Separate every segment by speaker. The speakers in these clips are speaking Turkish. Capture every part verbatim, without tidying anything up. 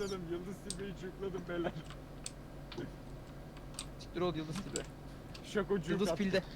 Speaker 1: jukladım. Yıldız Tilbe'yi jukladım beyler.
Speaker 2: Siktir ol Yıldız Tilbe.
Speaker 1: Şakocu
Speaker 2: Yıldız
Speaker 1: kat.
Speaker 2: pilde.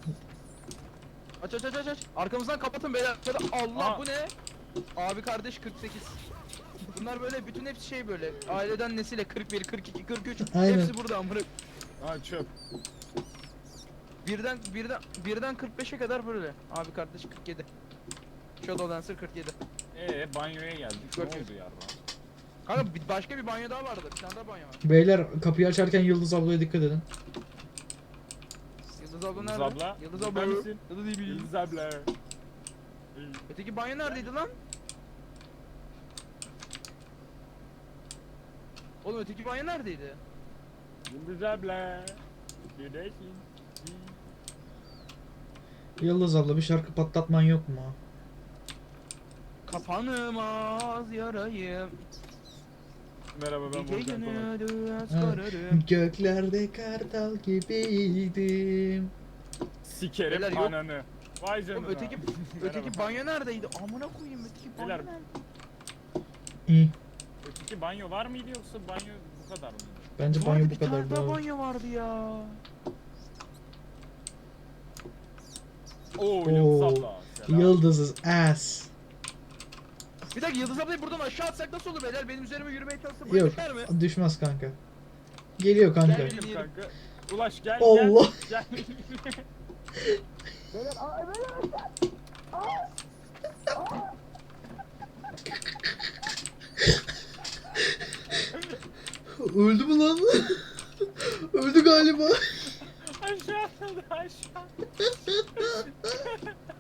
Speaker 2: Aç aç aç aç aç. Arkamızdan kapatın beyler. Allah
Speaker 1: Aa.
Speaker 2: bu ne? Abi kardeş kırk sekiz. Bunlar böyle bütün hepsi şey böyle. Aileden nesile kırk bir, kırk iki, kırk üç.
Speaker 3: Aynen.
Speaker 2: Hepsi burada amına.
Speaker 1: Aa çöp.
Speaker 2: Birden birden birden kırk beşe kadar böyle. Abi kardeş kırk yedi. Shadow Dancer kırk yedi.
Speaker 1: Ee banyoya geldik. Ne
Speaker 2: Çok iyi.
Speaker 1: oldu yarra?
Speaker 2: Kanka bir- başka bir banyo daha vardı. Bir tane daha banyo var.
Speaker 3: Beyler kapıyı açarken Yıldız ablaya dikkat edin.
Speaker 2: Yıldız abla
Speaker 1: Yıldız
Speaker 2: nerede?
Speaker 1: abla.
Speaker 2: Yıldız
Speaker 1: Burada
Speaker 2: abla.
Speaker 1: mısın?
Speaker 2: Yıldız iyi bir.
Speaker 1: Yıldız abla.
Speaker 2: Öteki banyo neredeydi lan? Oğlum öteki banyo neredeydi?
Speaker 1: Yıldız abla. Neredesin?
Speaker 3: Yıldız abla bir şarkı patlatman yok mu?
Speaker 2: Kapanmaz yarayım.
Speaker 1: Merhaba ben
Speaker 2: Gece
Speaker 1: Volkan Konak.
Speaker 2: günü düğüz
Speaker 3: Ha.
Speaker 2: kararım.
Speaker 3: Göklerde kartal gibiydim.
Speaker 1: Sikerim
Speaker 2: Beyler, yok.
Speaker 1: ananı. Vay canına.
Speaker 2: Oğlum öteki öteki
Speaker 1: Merhaba.
Speaker 2: banyo neredeydi? Amına koyayım öteki banyo
Speaker 1: Beyler.
Speaker 2: nerede?
Speaker 3: İyi.
Speaker 1: Öteki banyo var mıydı yoksa banyo bu kadar mıydı?
Speaker 3: Bence
Speaker 2: Vardı,
Speaker 3: banyo
Speaker 2: bir
Speaker 3: bu
Speaker 2: tane
Speaker 3: kadar
Speaker 2: daha
Speaker 3: daha.
Speaker 2: banyo vardı ya.
Speaker 1: Oo Yıldız
Speaker 3: Oo,
Speaker 1: abla. Selam.
Speaker 3: Yıldız's ass.
Speaker 2: Bir dakika Yıldız ablayı buradan aşağı atsak nasıl olur beyler? Benim üzerime yürümeye çalışsa buraya
Speaker 3: Yok
Speaker 2: düşer mi?
Speaker 3: düşmez kanka. Geliyor kanka.
Speaker 2: Gel.
Speaker 1: Benim kanka. Ulaş gel
Speaker 3: Allah.
Speaker 1: gel. Gel.
Speaker 3: Öldü mü lan? Öldü galiba.
Speaker 1: Aşağı atladı aşağı.